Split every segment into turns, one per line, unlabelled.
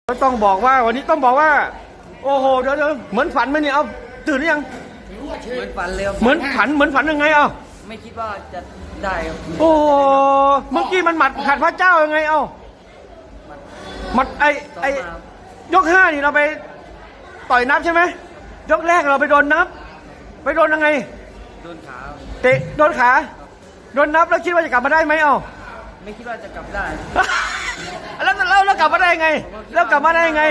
ต้องบอกว่าวันนี้ต้องบอกว่าโอ้โหเดี๋ยวเหมือนฝันไหมเนี่ยเอาตื่นหรือยัง
เหมือนฝันเลยครับ
เหมือนฝันยังไงเอา
ไม่คิดว่าจะได้ครับ
โอ้เมื่อกี้มันหมัดขัดพระเจ้ายังไงเอาหมัดไอยก5นี่เราไปต่อยนับใช่ไหมยกแรกเราไปโดนนับไปโดนยังไง
โดนขา
เตะโดนขาโดนนับแล้วคิดว่าจะกลับมาได้ไหมเอา
ไม่คิดว่าจะกลับได้
แล้วกลับมาได้ยังไงแล้วกลับมาได้ยังไง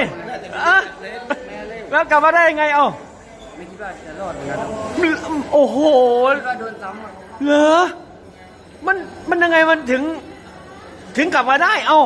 แล้วกลับมาได้ยังไงเอา
ไม่คิดว่าจะรอดเหมือนกัน
โอ้โห
คิดว่าโดนซ้ำ
เหรอมันยังไงมันถึงกลับมาได้เอา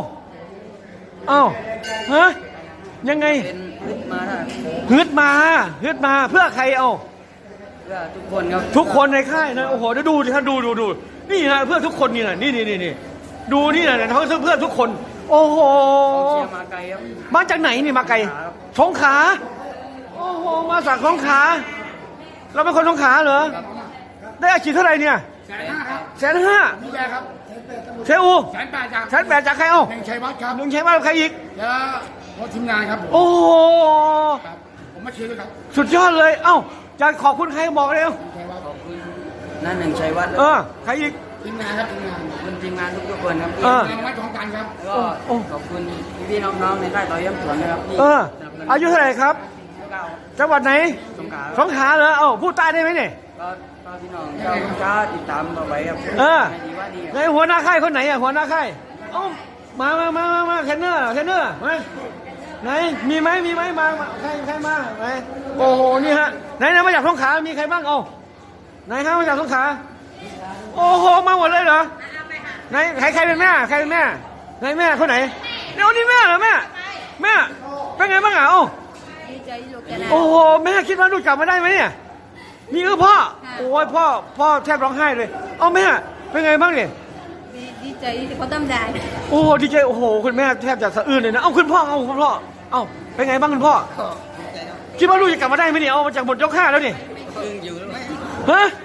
ฮะยังไง
เป็นฮึดมาได้
ฮึดมาเพื่อใครเอา
เพื่อทุกคนครับ
ทุกคนในค่ายนะโอ้โหเดี๋ยวดูท่านดูนี่นะเพื่อทุกคนนี่นะนี่ดูนี่นะเขาเพื่อทุกคนโอ้โห
เชียร์มาไกลครับ
มาจากไหนนี่มาไกลสงขลาโอ้โหมาจากสงขลาเราเป็นคนสงขลาเหรอได้อาชีพเท่าไหร่เนี่ย
150,000 ครับ
150,000
นี่แกครับ
เชอู
108,000
จากใครเอา
หนึ่งชัยวัฒน์ครับ
หนึ่งชัยวัฒน์ใครอีก
แล้วพอทีมงานครับ
โอ้โห
ผมมาเชียร์ด้วยครับ
สุดยอดเลยเอ้าจะขอบคุณใครบอกเลย
ขอบคุณนั่นหนึ่งชัยวัฒน์
ใครอีก
ทีมงานครับทีมงาน
คุณทีมงานทุกคนครับ
ทีมงานของกันครับ
แล้วก็ขอบคุณพี่น้องๆในค่ายต่อยย้ำสวนนะครับ
อายุเท่าไหร่ครับจังหวัดไหนสงขลาเหรอพูดใต้ได้ไหมเนี่ย
ก็พี่น้องก็ติดตามต่อไปครับ
ในหัวหน้าค่ายคนไหนหัวหน้าค่ายมาเทรนเนอร์มาไหนมีไหมมาใครมาไหนโอ้โหนี่ฮะไหนมาจากสงขลามีใครบ้างไหนมาจากสงขลาโอ้โหมาหมดเลยเหรอไหนใครเป็นแม่ไหนแม่คนไหนนี่แม่เหรอแม่เป็นไงบ้างโอ้โหแม่คิดว่าลูกกลับมาได้ไหมเนี่ยนี่คือพ่อโอ้ยพ่อแทบร้องไห้เลยแม่เป็นไงบ้างเนี่ย
ดีใจที่เขาทำได้
โอ้ดีใจโอ้โหคุณแม่แทบจะสะอื้นเลยนะคุณพ่อเป็นไงบ้างคุณพ่อคิดว่าลูกจะกลับมาได้ไหมเนี่ยมาจากหมดยก5แล้วนี่ฮะ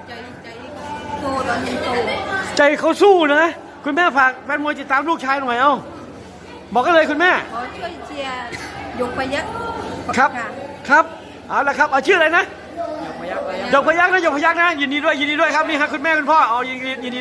ใจเขาสู้นะคุณแม่ฝากแฟนมวยติดตามลูกชายหน่อยบอกกันเลยคุณแม่
ขอช่วยเชียร์ยกพยัคฆ์
ครับเอาละครับชื่ออะไรนะยกพยัคฆ์นะยินดีด้วยครับนี่ฮะคุณแม่คุณพ่อยินดี